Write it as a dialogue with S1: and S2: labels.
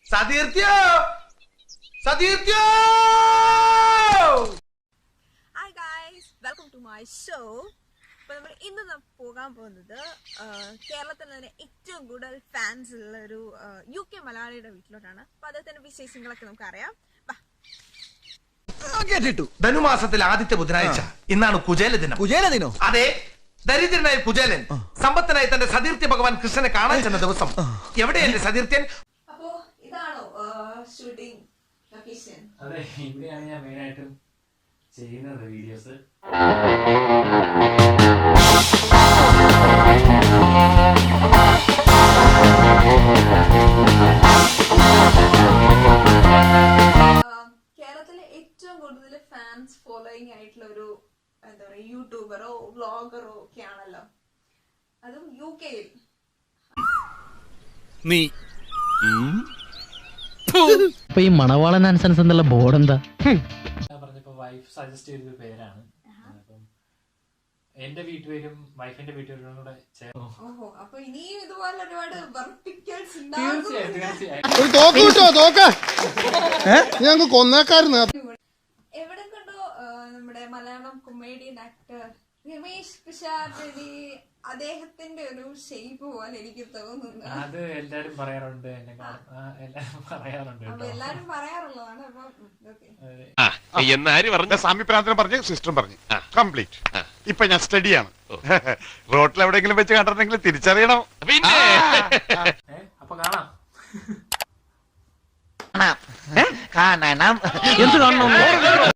S1: സതീർത്യോ സതീർത്യോ.
S2: Hi guys, welcome to my show. അപ്പോൾ നമ്മൾ ഇന്ന് പോകാൻ പോകുന്നത് കേരളത്തിൽ തന്നെ ഏറ്റവും കൂടുതൽ ഫാൻസ് ഉള്ള ഒരു UK മലയാളിയുടെ വീട്ടിലോട്ടാണ്. അപ്പോൾ അദ്ദേഹത്തിന്റെ വിശേഷങ്ങളൊക്കെ നമുക്കറിയാം.
S3: കേട്ടിട്ടു.
S1: ധനുമാസത്തിൽ ആദ്യത്തെ ബുധനാഴ്ച ഇന്നാണ് കുചേല ദിനം.
S3: കുചേല ദിനോ?
S1: അതെ, ദരിദ്രനായ കുചേലൻ സമ്പത്തനായി തന്റെ സതീർത്യ ഭഗവാൻ കൃഷ്ണനെ കാണാൻ ചെന്ന ദിവസം. എവിടെയല്ലേ സതീർത്ഥ്യൻ?
S2: അപ്പോൾ ഇതാണോ ഷൂട്ടിംഗ് ലൊക്കേഷൻ?
S4: അതെ, ഇവിടെയാണ് ഞാൻ മെയിനായിട്ടും ചെയ്യുന്നത് വീഡിയോസ്.
S2: കേരളത്തിലെ ഏറ്റവും കൂടുതൽ ഫാൻസ് ഫോളോയിങ് ആയിട്ടുള്ള ഒരു എന്താ പറയുക യൂട്യൂബറോ വ്ളോഗറോ ഒക്കെ ആണല്ലോ, അതും UK-യിൽ.
S5: നീ
S6: അപ്പൊ ഈ മണവാളൻ ആൻസൻസ് എന്നുള്ള ബോർഡ് എന്താ?
S4: ഞാൻ പറഞ്ഞപ്പോ വൈഫ് സജസ്റ്റ് ചെയ്തൊരു പേരാണ്. അപ്പം എന്റെ വീട്ടുപേരും വൈഫിന്റെ വീട്ടുപേരും കൂടെ ചേർന്നു.
S2: ഓഹോ, അപ്പൊ ഇനിയും ഇതുപോലെ ഒരുപാട് വെർട്ടിക്കൽസ്
S4: തീർച്ചയായും തീർച്ചയായും.
S7: ഒരു തോക്ക് കിട്ടോ? തോക്ക് ഞങ്ങൾക്ക് കൊന്നേക്കാരുന്നു.
S2: എവിടെ കണ്ടോ നമ്മുടെ മലയാളം കൊമേഡിയൻ ആക്ടർ രമേശ് പിഷാരടി, അദ്ദേഹത്തിന്റെ ഒരു ഷേപ്പ് പോലെ എനിക്ക് തോന്നുന്നു.
S4: അത് എല്ലാരും പറയാറുണ്ട്, എന്നെ എല്ലാരും പറയാറുണ്ട്.
S2: അപ്പൊ എല്ലാരും പറയാറുള്ളതാണ്. അപ്പൊ
S5: എന്നാര് പറഞ്ഞ
S7: സാമിപ്രാന്തരം പറഞ്ഞ് സിസ്റ്ററും പറഞ്ഞു കംപ്ലീറ്റ്. ഇപ്പൊ ഞാൻ സ്റ്റഡിയാണ്. റോട്ടിൽ എവിടെയെങ്കിലും വെച്ച് കണ്ടിട്ടുണ്ടെങ്കിൽ തിരിച്ചറിയണം.
S5: പിന്നെ
S4: അപ്പൊ കാണാം.
S3: കാണണം. എന്ത് കാണണം?